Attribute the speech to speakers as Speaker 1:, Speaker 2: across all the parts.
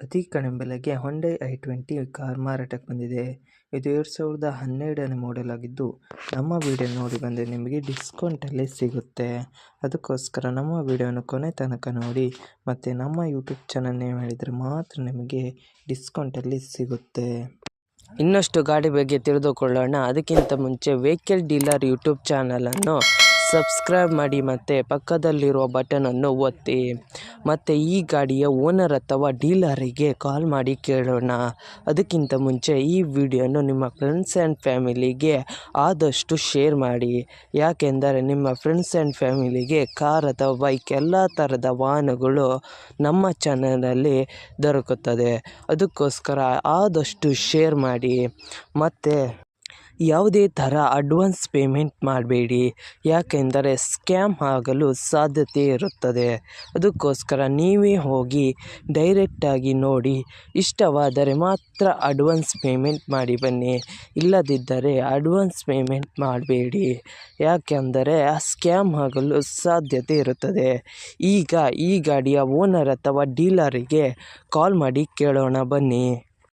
Speaker 1: ಅತಿ ಕಡಿಮೆ ಬೆಲೆಗೆ ಹೊಂಡೈ i20 ಕಾರ್ ಮಾರಾಟಕ್ಕೆ ಬಂದಿದೆ. ಇದು 2012ನೇ ಮಾಡೆಲ್ ಆಗಿದ್ದು, ನಮ್ಮ ವಿಡಿಯೋ ನೋಡಿ ಬಂದರೆ ನಿಮಗೆ ಡಿಸ್ಕೌಂಟಲ್ಲಿ ಸಿಗುತ್ತೆ. ಅದಕ್ಕೋಸ್ಕರ ನಮ್ಮ ವಿಡಿಯೋನ ಕೊನೆ ತನಕ ನೋಡಿ ಮತ್ತು ನಮ್ಮ ಯೂಟ್ಯೂಬ್ ಚಾನಲ್ ನೇಮ್ ಹೇಳಿದರೆ ಮಾತ್ರ ನಿಮಗೆ ಡಿಸ್ಕೌಂಟಲ್ಲಿ ಸಿಗುತ್ತೆ. ಇನ್ನಷ್ಟು ಗಾಡಿ ಬಗ್ಗೆ ತಿಳಿದುಕೊಳ್ಳೋಣ. ಅದಕ್ಕಿಂತ ಮುಂಚೆ ವೆಹಿಕಲ್ ಡೀಲರ್ ಯೂಟ್ಯೂಬ್ ಚಾನಲನ್ನು ಸಬ್ಸ್ಕ್ರೈಬ್ ಮಾಡಿ ಮತ್ತು ಪಕ್ಕದಲ್ಲಿರುವ ಬಟನನ್ನು ಒತ್ತಿ. ಮತ್ತು ಈ ಗಾಡಿಯ ಓನರ್ ಅಥವಾ ಡೀಲರಿಗೆ ಕಾಲ್ ಮಾಡಿ ಕೇಳೋಣ. ಅದಕ್ಕಿಂತ ಮುಂಚೆ ಈ ವಿಡಿಯೋನು ನಿಮ್ಮ ಫ್ರೆಂಡ್ಸ್ ಆ್ಯಂಡ್ ಫ್ಯಾಮಿಲಿಗೆ ಆದಷ್ಟು ಶೇರ್ ಮಾಡಿ. ಯಾಕೆಂದರೆ ನಿಮ್ಮ ಫ್ರೆಂಡ್ಸ್ ಆ್ಯಂಡ್ ಫ್ಯಾಮಿಲಿಗೆ ಕಾರ್ ಅಥವಾ ಬೈಕ್ ಎಲ್ಲ ಥರದ ವಾಹನಗಳು ನಮ್ಮ ಚಾನಲಲ್ಲಿ ದೊರಕುತ್ತದೆ. ಅದಕ್ಕೋಸ್ಕರ ಆದಷ್ಟು ಶೇರ್ ಮಾಡಿ. ಮತ್ತು ಯಾವುದೇ ಥರ ಅಡ್ವಾನ್ಸ್ ಪೇಮೆಂಟ್ ಮಾಡಬೇಡಿ, ಯಾಕೆಂದರೆ ಸ್ಕ್ಯಾಮ್ ಆಗಲು ಸಾಧ್ಯತೆ ಇರುತ್ತದೆ. ಅದಕ್ಕೋಸ್ಕರ ನೀವೇ ಹೋಗಿ ಡೈರೆಕ್ಟಾಗಿ ನೋಡಿ, ಇಷ್ಟವಾದರೆ ಮಾತ್ರ ಅಡ್ವಾನ್ಸ್ ಪೇಮೆಂಟ್ ಮಾಡಿ ಬನ್ನಿ. ಇಲ್ಲದಿದ್ದರೆ ಅಡ್ವಾನ್ಸ್ ಪೇಮೆಂಟ್ ಮಾಡಬೇಡಿ, ಯಾಕೆಂದರೆ ಸ್ಕ್ಯಾಮ್ ಆಗಲು ಸಾಧ್ಯತೆ ಇರುತ್ತದೆ. ಈಗ ಈ ಗಾಡಿಯ ಓನರ್ ಅಥವಾ ಡೀಲರಿಗೆ ಕಾಲ್ ಮಾಡಿ ಕೇಳೋಣ ಬನ್ನಿ.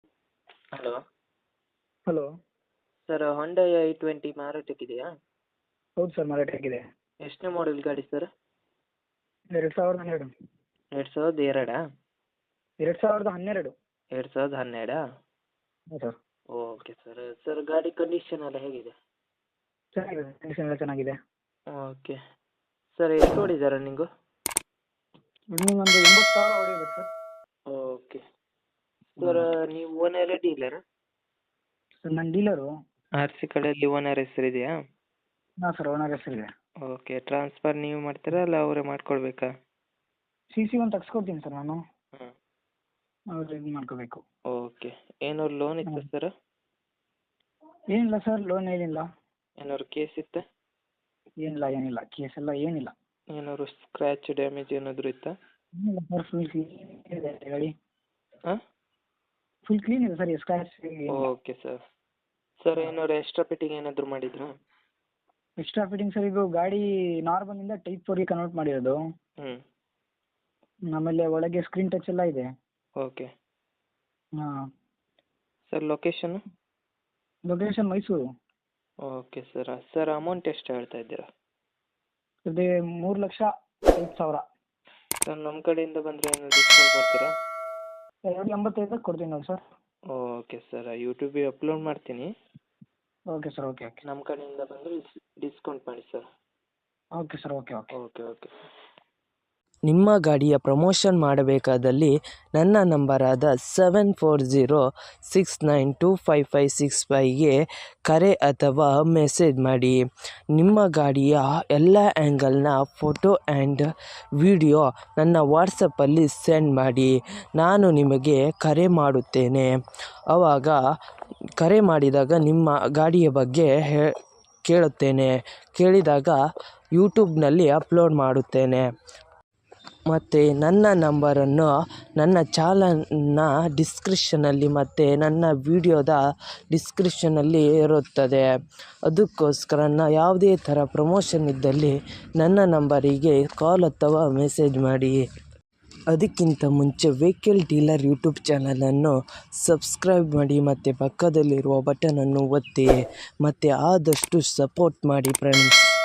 Speaker 2: ಹಲೋ
Speaker 1: ಸರ್, ಹೊಂಡೈ i20 ಮಾರಾಟಕ್ಕಿದೆಯಾ?
Speaker 2: ಹೌದು ಸರ್, ಮಾರಾಟಕ್ಕಿದೆ.
Speaker 1: ಎಷ್ಟನೇ ಮಾಡೆಲ್ ಗಾಡಿ ಸರ್?
Speaker 2: 2012.
Speaker 1: 2002?
Speaker 2: 2012.
Speaker 1: 2012?
Speaker 2: ಹೌದು ಸರ್.
Speaker 1: Okay sir. ಸರ್, ಗಾಡಿ ಕಂಡೀಷನ್ ಎಲ್ಲ ಹೇಗಿದೆ?
Speaker 2: ಚೆನ್ನಾಗಿದೆ, ಕಂಡೀಷನ್ ಎಲ್ಲ ಚೆನ್ನಾಗಿದೆ.
Speaker 1: Okay sir. ಎಷ್ಟು ಓಡಿದೆ ರನ್ನಿಂಗು?
Speaker 2: ರನ್ನಿಂಗ್ ಒಂದು 80,000 ಹೊಡಿಬೇಕು ಸರ್.
Speaker 1: ಓಕೆ ಸರ್, ನೀವು ಓನರ್ ಡೀಲರ್?
Speaker 2: ಸರ್ ನಾನು ಡೀಲರು.
Speaker 1: ಆರ್ ಸಿ ಕಡೆಯಲ್ಲಿ ಓನರ್ ಹೆಸರಿದೆಯಾ?
Speaker 2: ಹಾಂ ಸರ್, ಓನರ್ ಹೆಸರಿದೆ.
Speaker 1: ಓಕೆ. ಟ್ರಾನ್ಸ್ಫರ್ ನೀವು ಮಾಡ್ತೀರಾ ಅಲ್ಲ ಅವರೇ ಮಾಡ್ಕೊಳ್ಬೇಕಾ?
Speaker 2: CC ಒಂದು ತೆಗ್ಸ್ಕೊಡ್ತೀನಿ ಸರ್ ನಾನು.
Speaker 1: ಹಾಂ.
Speaker 2: ಅವ್ರು ಇದು ಮಾಡ್ಕೋಬೇಕು.
Speaker 1: ಓಕೆ. ಏನಾದ್ರು ಲೋನ್ ಇತ್ತಾ ಸರ್?
Speaker 2: ಏನಿಲ್ಲ ಸರ್, ಲೋನ್ ಏನಿಲ್ಲ.
Speaker 1: ಏನಾದ್ರು ಕೇಸ್ ಇತ್ತಾ?
Speaker 2: ಏನಿಲ್ಲ ಕೇಸ್ ಎಲ್ಲ ಏನಿಲ್ಲ.
Speaker 1: ಏನಾದ್ರು ಸ್ಕ್ರ್ಯಾಚ್ ಡ್ಯಾಮೇಜ್ ಏನಾದರೂ ಇತ್ತಾ?
Speaker 2: ಏನಿಲ್ಲ ಸರ್, ಫುಲ್ ಕ್ಲೀನ್ ಇದೆ ಗಾಡಿ.
Speaker 1: ಹಾಂ,
Speaker 2: ಫುಲ್ ಕ್ಲೀನ್ ಇದೆ sir, scratch.
Speaker 1: Okay sir. Sir, ಏನಾದ್ರು ಎಕ್ಸ್ಟ್ರಾ ಫಿಟ್ಟಿಂಗ್ ಏನಾದರೂ ಮಾಡಿದ್ರಾ?
Speaker 2: ಎಕ್ಸ್ಟ್ರಾ ಫಿಟ್ಟಿಂಗ್ ಸರ್, ಇದು ಗಾಡಿ ನಾರ್ಮಲಿಂದ ಟೈಪ್ 4ಗೆ ಕನ್ವರ್ಟ್ ಮಾಡಿರೋದು. ಆಮೇಲೆ ಒಳಗೆ ಸ್ಕ್ರೀನ್ ಟಚ್ ಎಲ್ಲ ಇದೆ.
Speaker 1: ಓಕೆ.
Speaker 2: ಹಾಂ
Speaker 1: sir, location?
Speaker 2: Location Mysuru.
Speaker 1: Okay sir. Sir, amount ಎಷ್ಟು ಹೇಳ್ತಾ ಇದ್ದೀರಾ?
Speaker 2: ಅದೇ 3,05,000.
Speaker 1: ಸರ್, ನಮ್ಮ ಕಡೆಯಿಂದ ಬಂದರೆ ಏನಾದ್ರು ಡಿಸ್ಕೌಂಟ್ ಮಾಡ್ತೀರಾ?
Speaker 2: 285 ಕೊಡ್ತೀನಿ ನೋಡಿ ಸರ್.
Speaker 1: ಓಕೆ ಸರ್, ಯೂಟ್ಯೂಬಿಗೆ ಅಪ್ಲೋಡ್ ಮಾಡ್ತೀನಿ.
Speaker 2: Okay sir, okay.
Speaker 1: ನಮ್ಮ ಕಡೆಯಿಂದ ಬಂದರೆ ಡಿಸ್ಕೌಂಟ್ ಮಾಡಿ sir.
Speaker 2: Okay sir, okay.
Speaker 1: Okay. ನಿಮ್ಮ ಗಾಡಿಯ ಪ್ರಮೋಷನ್ ಮಾಡಬೇಕಾದಲ್ಲಿ ನನ್ನ ನಂಬರಾದ 7406925565ಗೆ ಕರೆ ಅಥವಾ ಮೆಸೇಜ್ ಮಾಡಿ. ನಿಮ್ಮ ಗಾಡಿಯ ಎಲ್ಲ ಆ್ಯಂಗಲ್ನ ಫೋಟೋ ಆ್ಯಂಡ್ ವಿಡಿಯೋ ನನ್ನ ವಾಟ್ಸಪ್ಪಲ್ಲಿ ಸೆಂಡ್ ಮಾಡಿ. ನಾನು ನಿಮಗೆ ಕರೆ ಮಾಡುತ್ತೇನೆ. ಆವಾಗ ಕರೆ ಮಾಡಿದಾಗ ನಿಮ್ಮ ಗಾಡಿಯ ಬಗ್ಗೆ ಕೇಳುತ್ತೇನೆ. ಕೇಳಿದಾಗ ಯೂಟ್ಯೂಬ್ನಲ್ಲಿ ಅಪ್ಲೋಡ್ ಮಾಡುತ್ತೇನೆ. ಮತ್ತು ನನ್ನ ನಂಬರನ್ನು ನನ್ನ ಚಾನಲ್ನ ಡಿಸ್ಕ್ರಿಪ್ಷನಲ್ಲಿ ಮತ್ತು ನನ್ನ ವಿಡಿಯೋದ ಡಿಸ್ಕ್ರಿಪ್ಷನಲ್ಲಿ ಇರುತ್ತದೆ. ಅದಕ್ಕೋಸ್ಕರ ಯಾವುದೇ ಥರ ಪ್ರಮೋಷನ್ ಇದ್ದಲ್ಲಿ ನನ್ನ ನಂಬರಿಗೆ ಕಾಲ್ ಅಥವಾ ಮೆಸೇಜ್ ಮಾಡಿ. ಅದಕ್ಕಿಂತ ಮುಂಚೆ ವೆಹಿಕಲ್ ಡೀಲರ್ ಯೂಟ್ಯೂಬ್ ಚಾನಲನ್ನು ಸಬ್ಸ್ಕ್ರೈಬ್ ಮಾಡಿ ಮತ್ತು ಪಕ್ಕದಲ್ಲಿರುವ ಬಟನನ್ನು ಒತ್ತಿ ಮತ್ತು ಆದಷ್ಟು ಸಪೋರ್ಟ್ ಮಾಡಿ ಫ್ರೆಂಡ್ಸ್.